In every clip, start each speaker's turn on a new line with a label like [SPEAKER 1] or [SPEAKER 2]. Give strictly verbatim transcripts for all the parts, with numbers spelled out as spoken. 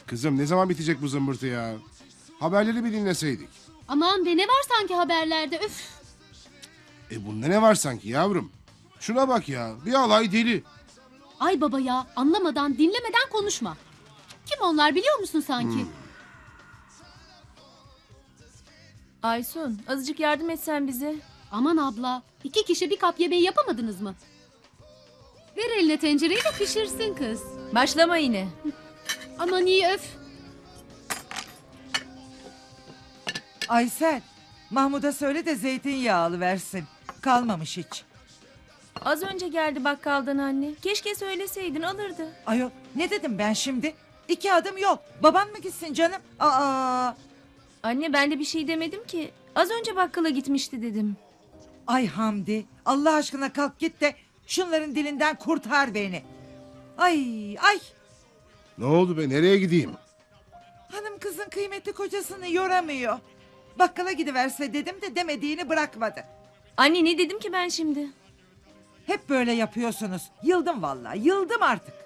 [SPEAKER 1] Kızım ne zaman bitecek bu zımbırtı ya? Haberleri bir dinleseydik.
[SPEAKER 2] Aman be, ne var sanki haberlerde, üf.
[SPEAKER 1] E bunda ne var sanki yavrum? Şuna bak ya, bir alay deli.
[SPEAKER 2] Ay baba ya, anlamadan dinlemeden konuşma. Kim onlar biliyor musun sanki?
[SPEAKER 1] Hmm.
[SPEAKER 3] Aysun, azıcık yardım etsen bize.
[SPEAKER 2] Aman abla, iki kişi bir kap yemeği yapamadınız mı? Ver eline tencereyi de pişirsin kız.
[SPEAKER 3] Başlama yine.
[SPEAKER 2] Aman iyi, öf.
[SPEAKER 4] Aysel, Mahmud'a söyle de zeytinyağlı versin. Kalmamış hiç.
[SPEAKER 3] Az önce geldi bakkaldan anne. Keşke söyleseydin, alırdı.
[SPEAKER 4] Ayol, ne dedim ben şimdi? İki adım yol. Baban mı gitsin canım? Aa!
[SPEAKER 3] Anne, ben de bir şey demedim ki. Az önce bakkala gitmişti dedim.
[SPEAKER 4] Ay Hamdi, Allah aşkına kalk git de şunların dilinden kurtar beni. Ay, ay!
[SPEAKER 1] Ne oldu be, nereye gideyim?
[SPEAKER 4] Hanım kızın kıymetli kocasını yoramıyor. Bakkala gidiverse dedim de demediğini bırakmadı.
[SPEAKER 3] Anne, ne dedim ki ben şimdi?
[SPEAKER 4] Hep böyle yapıyorsunuz. Yıldım vallahi, yıldım artık.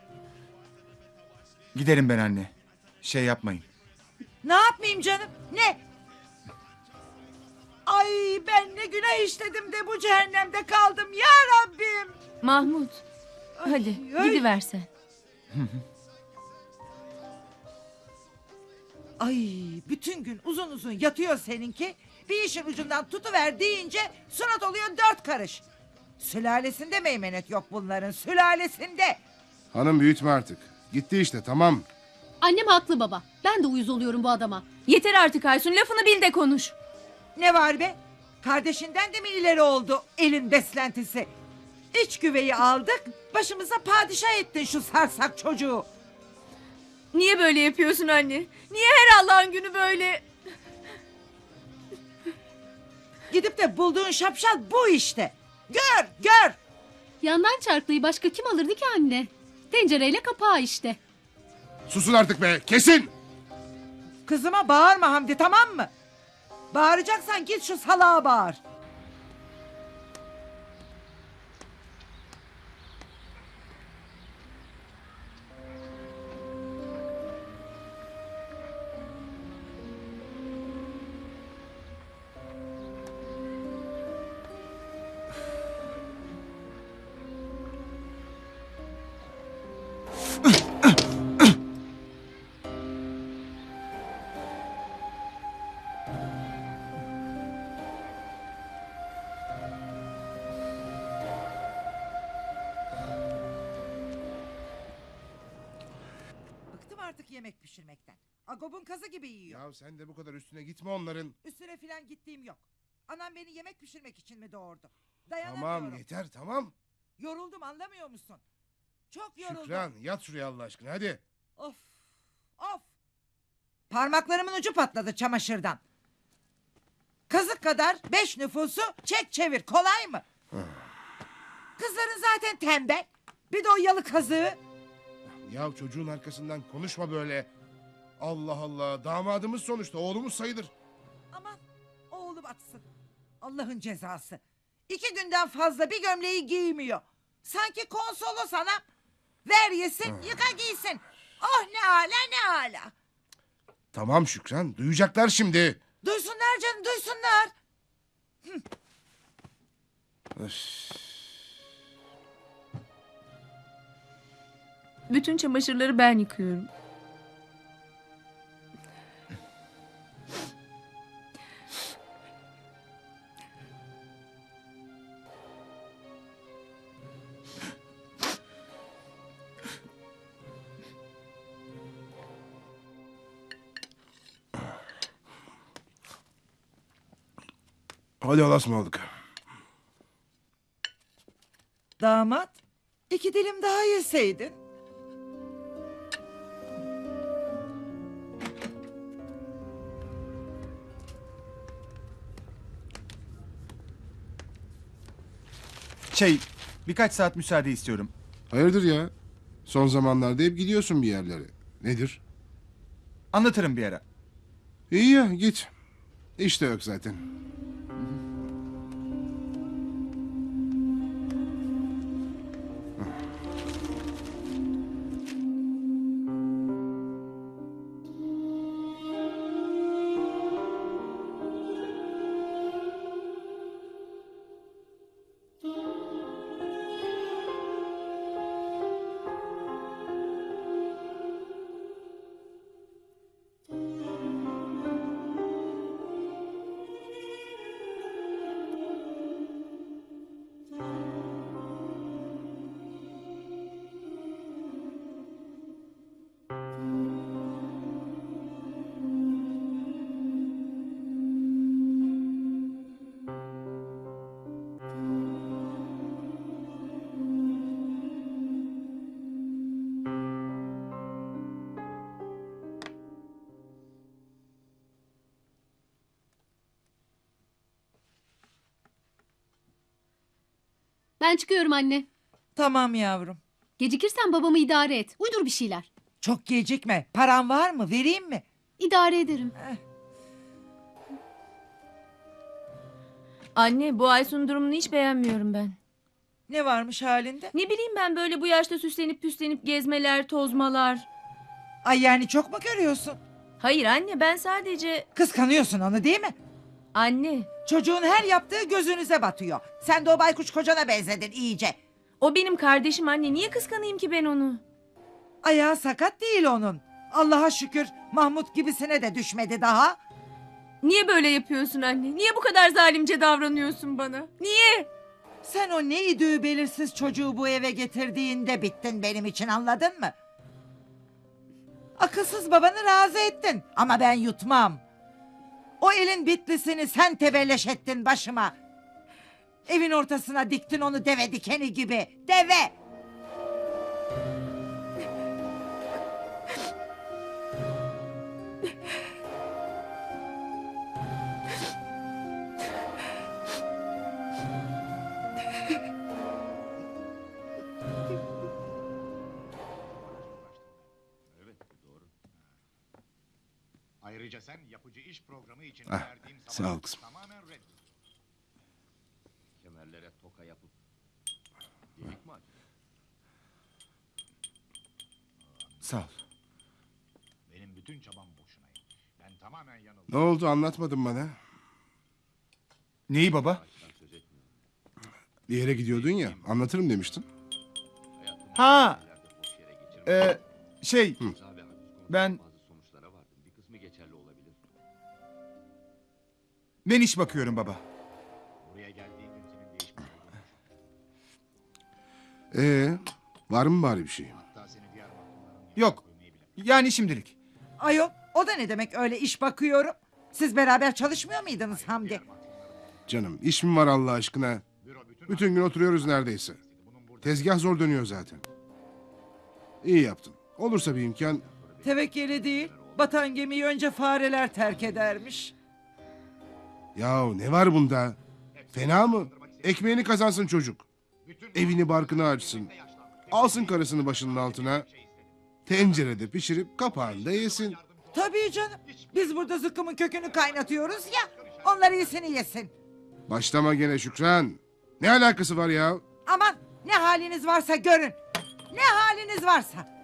[SPEAKER 5] Giderim ben anne. Şey yapmayın.
[SPEAKER 4] Ne yapmayayım canım? Ne? Ay ben ne günah işledim de bu cehennemde kaldım ya Rabbim.
[SPEAKER 3] Mahmut. Hadi
[SPEAKER 4] ay.
[SPEAKER 3] gidiversen.
[SPEAKER 4] Ay bütün gün uzun uzun yatıyor seninki. Bir işin ucundan tutuver deyince surat oluyor dört karış. Sülalesinde meymenet yok bunların, sülalesinde.
[SPEAKER 1] Hanım büyütme artık. Gitti işte, tamam.
[SPEAKER 2] Annem haklı baba. Ben de uyuz oluyorum bu adama.
[SPEAKER 3] Yeter artık Aysun, lafını bil de konuş.
[SPEAKER 4] Ne var be? Kardeşinden de mi ileri oldu elin beslentisi? İç güveyi aldık, başımıza padişah ettin şu sarsak çocuğu.
[SPEAKER 3] Niye böyle yapıyorsun anne? Niye her Allah'ın günü böyle?
[SPEAKER 4] Gidip de bulduğun şapşal bu işte. Gör, gör.
[SPEAKER 2] Yandan çarklıyı başka kim alırdı ki anne? Tencereyle kapağı işte.
[SPEAKER 1] Susun artık be, kesin!
[SPEAKER 4] Kızıma bağırma Hamdi, tamam mı? Bağıracaksan git şu salağa bağır. Bıktım artık yemek pişirmekten. Agob'un kazı gibi yiyor.
[SPEAKER 1] Ya sen de bu kadar üstüne gitme onların.
[SPEAKER 4] Üstüne filan gittiğim yok. Anam beni yemek pişirmek için mi doğurdu? Dayanamıyorum.
[SPEAKER 1] Tamam yeter, tamam.
[SPEAKER 4] Yoruldum, anlamıyor musun? Çok yoruldum.
[SPEAKER 1] Şükran, yat şuraya Allah aşkına, hadi.
[SPEAKER 4] Of. Of. Parmaklarımın ucu patladı çamaşırdan. Kazık kadar beş nüfusu çek çevir, kolay mı? Kızların zaten tembel. Bir de o yalı kazığı.
[SPEAKER 1] Ya çocuğun arkasından konuşma böyle. Allah Allah, damadımız sonuçta, oğlumuz sayılır.
[SPEAKER 4] Aman oğlum atsın. Allah'ın cezası. İki günden fazla bir gömleği giymiyor. Sanki konsolo sana. Ver yesin, yıka giysin. Oh ne ala ne ala.
[SPEAKER 1] Tamam Şükran, duyacaklar şimdi.
[SPEAKER 4] Duysunlar canım, duysunlar.
[SPEAKER 3] Bütün çamaşırları ben yıkıyorum.
[SPEAKER 1] Hadi Allah'a ısmarladık.
[SPEAKER 4] Damat, iki dilim daha yeseydin.
[SPEAKER 5] Şey, birkaç saat müsaade istiyorum.
[SPEAKER 1] Hayırdır ya? Son zamanlarda hep gidiyorsun bir yerlere. Nedir?
[SPEAKER 5] Anlatırım bir ara.
[SPEAKER 1] İyi ya, git. İş de yok zaten.
[SPEAKER 2] Ben çıkıyorum anne.
[SPEAKER 4] Tamam yavrum.
[SPEAKER 2] Gecikirsen babamı idare et. Uydur bir şeyler.
[SPEAKER 4] Çok gecikme. Paran var mı? Vereyim mi?
[SPEAKER 2] İdare ederim.
[SPEAKER 3] Anne bu Aysun'un durumunu hiç beğenmiyorum ben.
[SPEAKER 4] Ne varmış halinde?
[SPEAKER 3] Ne bileyim ben böyle bu yaşta süslenip püslenip gezmeler, tozmalar.
[SPEAKER 4] Ay yani çok mu görüyorsun?
[SPEAKER 3] Hayır anne ben sadece...
[SPEAKER 4] Kıskanıyorsun onu değil mi?
[SPEAKER 3] Anne
[SPEAKER 4] Çocuğun her yaptığı gözünüze batıyor. Sen de o baykuş kocana benzedin iyice.
[SPEAKER 3] o benim kardeşim anne. Niye kıskanayım ki ben onu?
[SPEAKER 4] Ayağı sakat değil onun. Allah'a şükür Mahmut gibisine de düşmedi daha.
[SPEAKER 3] Niye böyle yapıyorsun anne? Niye bu kadar zalimce davranıyorsun bana? Niye?
[SPEAKER 4] Sen o ne idüğü belirsiz çocuğu bu eve getirdiğinde bittin benim için, anladın mı? Akılsız babanı razı ettin ama ben yutmam. O elin bitlisini sen tebelleş ettin başıma. Evin ortasına diktin onu deve dikeni gibi. Deve!
[SPEAKER 6] Ayrıca sen yapıcı iş programı için
[SPEAKER 1] Ah,
[SPEAKER 6] verdiğim
[SPEAKER 1] sağ ol
[SPEAKER 6] zamanı
[SPEAKER 1] kızım.
[SPEAKER 6] tamamen reddediyorsun. Kemerlere toka yapıp geyik mi acaba?
[SPEAKER 5] Sağ ol.
[SPEAKER 6] Benim bütün çabam boşunaydı. Ben tamamen yanıldım.
[SPEAKER 1] Ne oldu anlatmadın bana.
[SPEAKER 5] Neyi baba?
[SPEAKER 1] Bir yere gidiyordun ya, anlatırım demiştin.
[SPEAKER 5] Ha. Ee, şey. Ben... Ben iş bakıyorum baba.
[SPEAKER 6] Buraya geldiğin gün senin değişmiş olduğunu
[SPEAKER 1] Ee,
[SPEAKER 6] düşündüm.
[SPEAKER 1] var mı bari bir şey?
[SPEAKER 6] Hatta seni diğer mahkumların
[SPEAKER 5] Yok. Yani şimdilik.
[SPEAKER 4] Ayol, o da ne demek öyle iş bakıyorum? Siz beraber çalışmıyor muydunuz Hamdi?
[SPEAKER 1] Canım, iş mi var Allah aşkına? Bütün gün oturuyoruz neredeyse. Tezgah zor dönüyor zaten. İyi yaptın. Olursa bir imkan...
[SPEAKER 4] Tevekkeli değil, batan gemiyi önce fareler terk edermiş.
[SPEAKER 1] Yahu ne var bunda? Fena mı? Ekmeğini kazansın çocuk. Evini barkını açsın. Alsın karısını başının altına. Tencerede pişirip kapağında yesin.
[SPEAKER 4] Tabii canım, biz burada zıkkımın kökünü kaynatıyoruz ya, onlar iyisini yesin.
[SPEAKER 1] Başlama gene Şükran. Ne alakası var ya?
[SPEAKER 4] Aman ne haliniz varsa görün, ne haliniz varsa.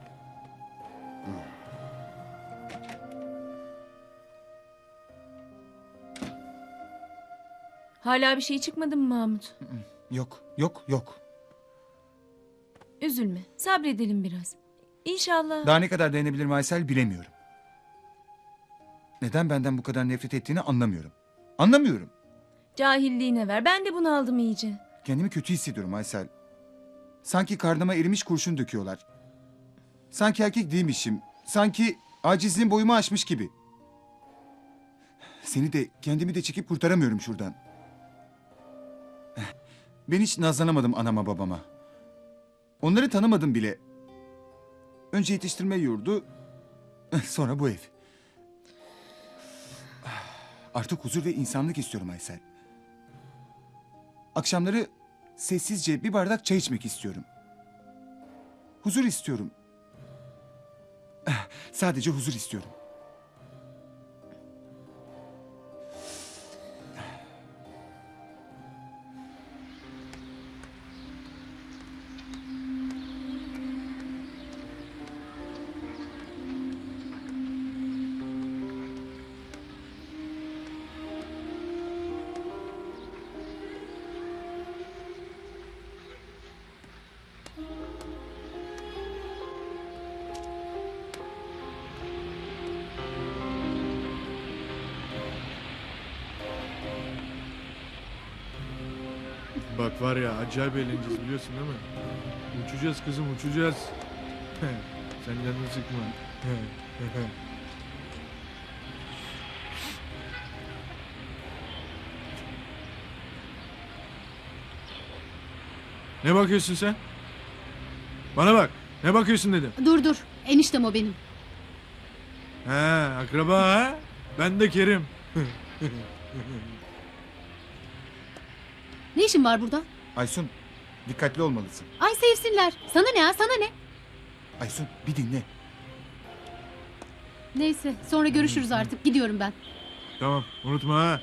[SPEAKER 3] Hala bir şey çıkmadı mı Mahmut?
[SPEAKER 5] Yok. Yok. Yok.
[SPEAKER 3] Üzülme. Sabredelim biraz. İnşallah.
[SPEAKER 5] Daha ne kadar dayanabilirim Aysel bilemiyorum. Neden benden bu kadar nefret ettiğini anlamıyorum. Anlamıyorum.
[SPEAKER 3] Cahilliğine ver. Ben de bunu aldım iyice.
[SPEAKER 5] Kendimi kötü hissediyorum Aysel. Sanki karnıma erimiş kurşun döküyorlar. Sanki erkek değilmişim. Sanki acizliğim boyumu aşmış gibi. Seni de kendimi de çekip kurtaramıyorum şuradan. Ben hiç nazlanamadım anama babama. Onları tanımadım bile. Önce yetiştirme yurdu, sonra bu ev. Artık huzur ve insanlık istiyorum Aysel. Akşamları sessizce bir bardak çay içmek istiyorum. Huzur istiyorum. Sadece huzur istiyorum.
[SPEAKER 7] Bak var ya acayip eğleneceğiz biliyorsun değil mi? Uçacağız kızım uçacağız. Sen canını sıkma. Ne bakıyorsun sen? Bana bak. Ne bakıyorsun dedim.
[SPEAKER 2] Dur dur. Eniştem o benim.
[SPEAKER 7] Ha, akraba ha? Ben de Kerim.
[SPEAKER 2] Ne işin var burada?
[SPEAKER 5] Aysun, Dikkatli olmalısın.
[SPEAKER 2] Ay sevsinler. Sana ne ha, sana ne?
[SPEAKER 5] Aysun bir dinle.
[SPEAKER 2] Neyse sonra görüşürüz artık. Gidiyorum ben.
[SPEAKER 7] Tamam unutma ha.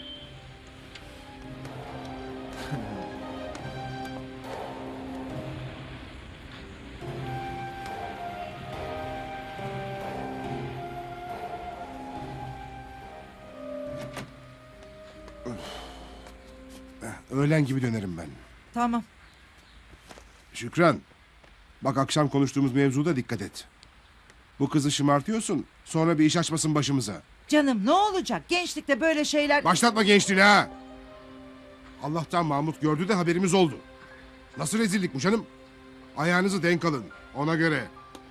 [SPEAKER 1] Öğlen gibi dönerim ben.
[SPEAKER 4] Tamam.
[SPEAKER 1] Şükran. Bak akşam konuştuğumuz mevzuda dikkat et. Bu kızı şımartıyorsun. Sonra bir iş açmasın başımıza.
[SPEAKER 4] Canım ne olacak? Gençlikte böyle şeyler...
[SPEAKER 1] Başlatma gençliğini ha. Allah'tan Mahmut gördü de haberimiz oldu. Nasıl rezillik bu canım? Ayağınızı denk alın. Ona göre.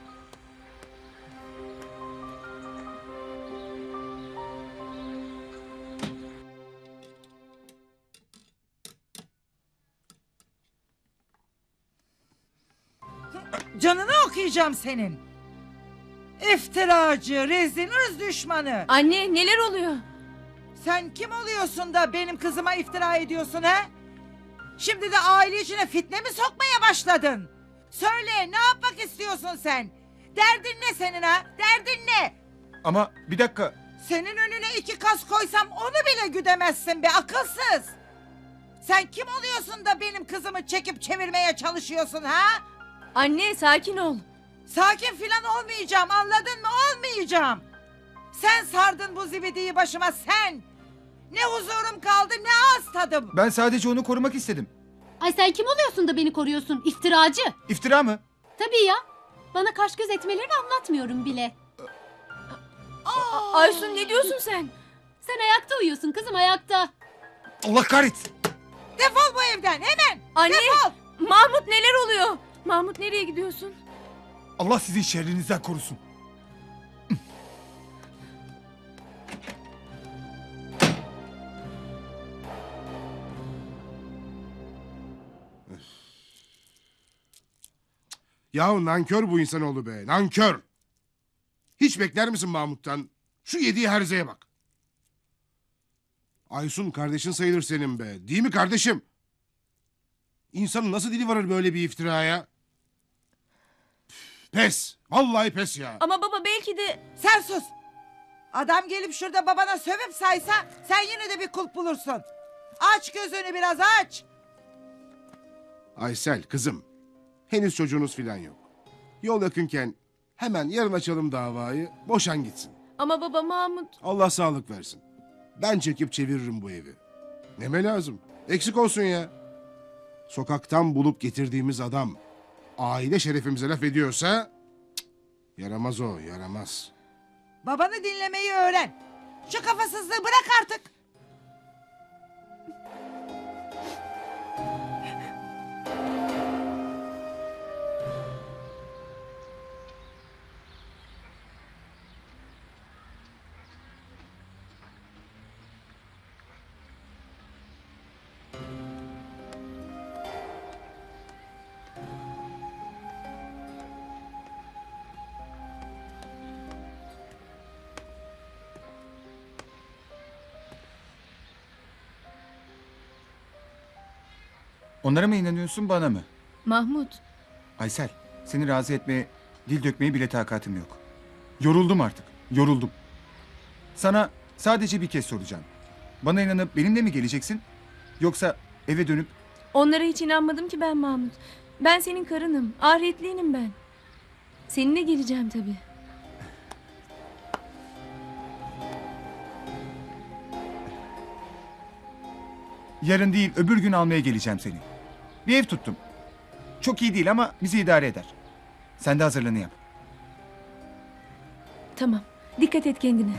[SPEAKER 4] Canını okuyacağım senin. İftiracı, rezil, ırz düşmanı.
[SPEAKER 3] Anne neler oluyor?
[SPEAKER 4] Sen kim oluyorsun da benim kızıma iftira ediyorsun ha? Şimdi de aile içine fitne mi sokmaya başladın? Söyle ne yapmak istiyorsun sen? Derdin ne senin ha? Derdin ne?
[SPEAKER 5] Ama bir dakika.
[SPEAKER 4] Senin önüne iki kas koysam onu bile güdemezsin be akılsız. Sen kim oluyorsun da benim kızımı çekip çevirmeye çalışıyorsun ha?
[SPEAKER 3] Anne sakin ol.
[SPEAKER 4] Sakin filan olmayacağım anladın mı? Olmayacağım. Sen sardın bu zibidiyi başıma sen. Ne huzurum kaldı ne ağız tadım.
[SPEAKER 5] Ben sadece onu korumak istedim.
[SPEAKER 2] Ay sen kim oluyorsun da beni koruyorsun? İftiracı.
[SPEAKER 5] İftira mı?
[SPEAKER 2] Tabii ya. Bana kaş göz etmelerini anlatmıyorum bile.
[SPEAKER 3] A- Aysun ne diyorsun sen?
[SPEAKER 2] Sen ayakta uyuyorsun kızım, ayakta.
[SPEAKER 5] Allah kahretsin.
[SPEAKER 4] Defol bu evden hemen.
[SPEAKER 3] Anne
[SPEAKER 4] Defol.
[SPEAKER 3] Mahmut neler oluyor? Mahmut nereye gidiyorsun?
[SPEAKER 5] Allah sizi şerrinizden korusun.
[SPEAKER 1] Yahu nankör bu insanoğlu be. Nankör. Hiç bekler misin Mahmut'tan? Şu yediği herzeye bak. Aysun kardeşin sayılır senin be. Değil mi kardeşim? İnsanın nasıl dili varır böyle bir iftiraya? Pes. Vallahi pes ya.
[SPEAKER 3] Ama baba belki de...
[SPEAKER 4] Sen sus. Adam gelip şurada babana sövüp saysa sen yine de bir kulp bulursun. Aç gözünü biraz aç.
[SPEAKER 1] Aysel kızım. Henüz çocuğunuz filan yok. Yol yakınken hemen yarın açalım davayı. Boşan gitsin.
[SPEAKER 3] Ama baba Mahmut...
[SPEAKER 1] Allah sağlık versin. Ben çekip çeviririm bu evi. Neme lazım? Eksik olsun ya. Sokaktan bulup getirdiğimiz adam aile şerefimize laf ediyorsa cık, yaramaz o, yaramaz.
[SPEAKER 4] Babanı dinlemeyi öğren. Şu kafasızlığı bırak artık.
[SPEAKER 5] Onlara mı inanıyorsun bana mı?
[SPEAKER 3] Mahmut.
[SPEAKER 5] Aysel, seni razı etmeye, dil dökmeye bile takatim yok. Yoruldum artık, yoruldum. Sana sadece bir kez soracağım. Bana inanıp benimle mi geleceksin? Yoksa eve dönüp...
[SPEAKER 3] Onlara hiç inanmadım ki ben Mahmut. Ben senin karınım. Ahiretliyim ben. Seninle geleceğim tabii.
[SPEAKER 5] Yarın değil, öbür gün almaya geleceğim seni. Bir ev tuttum. Çok iyi değil ama bizi idare eder. Sen de hazırlığını yap.
[SPEAKER 3] Tamam. Dikkat et kendine.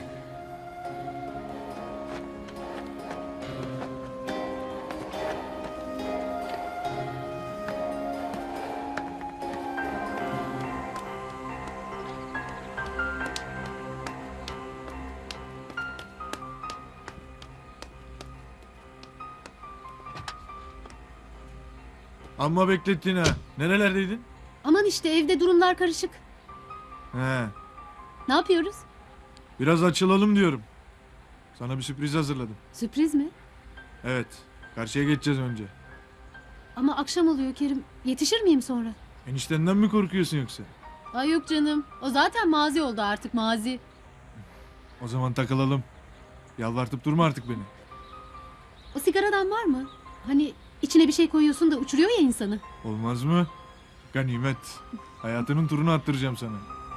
[SPEAKER 7] Amma beklettin ha. Nerelerdeydin?
[SPEAKER 2] Aman işte evde durumlar karışık.
[SPEAKER 7] He.
[SPEAKER 2] Ne yapıyoruz?
[SPEAKER 7] Biraz açılalım diyorum. Sana bir sürpriz hazırladım.
[SPEAKER 2] Sürpriz mi?
[SPEAKER 7] Evet. Karşıya geçeceğiz önce.
[SPEAKER 2] Ama akşam oluyor Kerim. Yetişir miyim sonra?
[SPEAKER 7] Eniştenden mi korkuyorsun yoksa?
[SPEAKER 2] Ay yok canım. O zaten mazi oldu artık mazi.
[SPEAKER 7] O zaman takılalım. Yalvartıp durma artık beni.
[SPEAKER 2] O sigaradan var mı? Hani içine bir şey koyuyorsun da uçuruyor ya insanı.
[SPEAKER 7] Olmaz mı? Ganimet. Hayatının turunu attıracağım sana.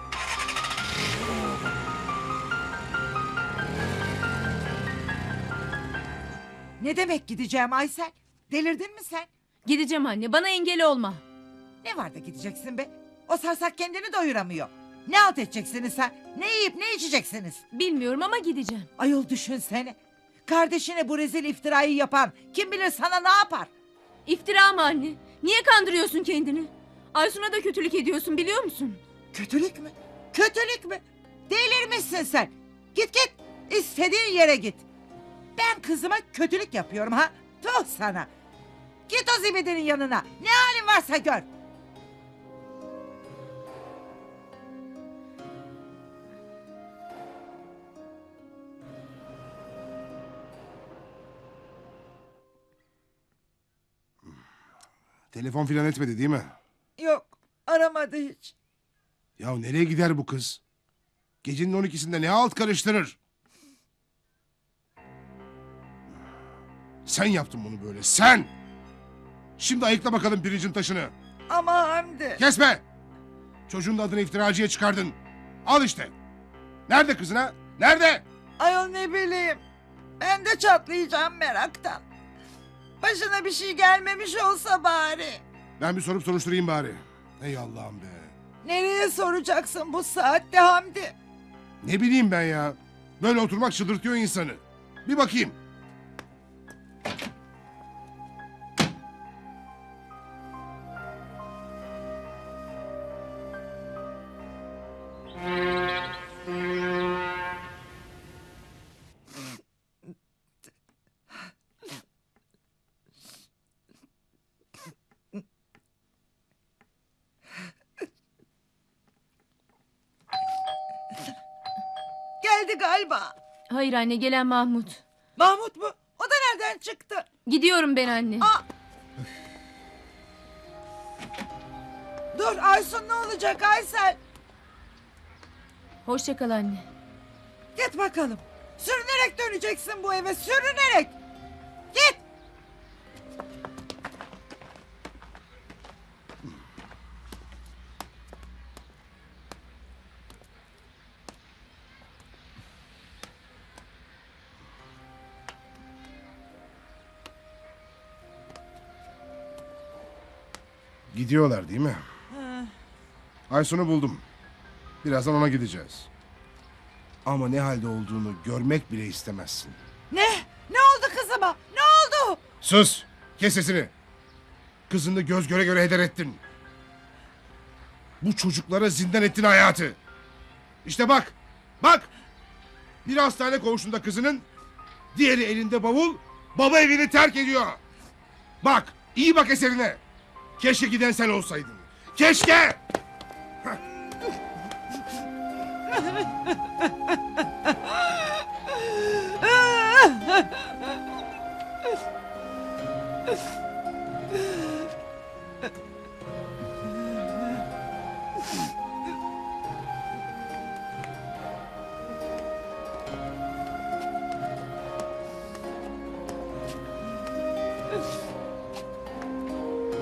[SPEAKER 4] Ne demek gideceğim Aysel? Delirdin mi sen?
[SPEAKER 3] Gideceğim anne. Bana engel olma.
[SPEAKER 4] Ne var da gideceksin be? O sarsak kendini doyuramıyor. Ne alt edeceksiniz sen? Ne yiyip ne içeceksiniz?
[SPEAKER 3] Bilmiyorum ama gideceğim.
[SPEAKER 4] Ayol düşünsene. Kardeşine bu rezil iftirayı yapan kim bilir sana ne yapar?
[SPEAKER 3] İftira mı anne? Niye kandırıyorsun kendini? Aysun'a da kötülük ediyorsun biliyor musun?
[SPEAKER 4] Kötülük mü? Kötülük mü? Delirmişsin sen. Git git. İstediğin yere git. Ben kızıma kötülük yapıyorum ha? Tuh sana. Git o zibidinin yanına. Ne halin varsa gör.
[SPEAKER 1] Telefon filan etmedi değil mi?
[SPEAKER 4] Yok aramadı hiç.
[SPEAKER 1] Ya nereye gider bu kız? Gecenin on ikisinde ne alt karıştırır? Sen yaptın bunu böyle, sen! Şimdi ayıkla bakalım pirincin taşını.
[SPEAKER 4] Ama Hamdi.
[SPEAKER 1] Kesme! Çocuğun da adını iftiracıya çıkardın. Al işte. Nerede kızın ha? Nerede?
[SPEAKER 4] Ayol ne bileyim. Ben de çatlayacağım meraktan. Başına bir şey gelmemiş olsa bari.
[SPEAKER 1] Ben bir sorup soruşturayım bari. Ey Allah'ım be.
[SPEAKER 4] Nereye soracaksın bu saatte Hamdi?
[SPEAKER 1] Ne bileyim ben ya. Böyle oturmak çıldırtıyor insanı. Bir bakayım.
[SPEAKER 4] Geldi galiba.
[SPEAKER 3] Hayır anne gelen Mahmut.
[SPEAKER 4] Mahmut mu? O da nereden çıktı?
[SPEAKER 3] Gidiyorum ben anne.
[SPEAKER 4] Aa! Dur Aysun ne olacak Aysel?
[SPEAKER 3] Hoşça kal anne.
[SPEAKER 4] Git bakalım. Sürünerek döneceksin bu eve sürünerek. Git.
[SPEAKER 1] Gidiyorlar değil mi? Aysun'u buldum. Birazdan ona gideceğiz. Ama ne halde olduğunu görmek bile istemezsin.
[SPEAKER 4] Ne? Ne oldu kızıma? Ne oldu?
[SPEAKER 1] Sus! Kes sesini! Kızını göz göre göre heder ettin. Bu çocuklara zindan ettin hayatı. İşte bak! Bak! Bir hastane koğuşunda kızının, diğeri elinde bavul, baba evini terk ediyor. Bak! İyi bak eserine! Keşke giden sen olsaydın. Keşke!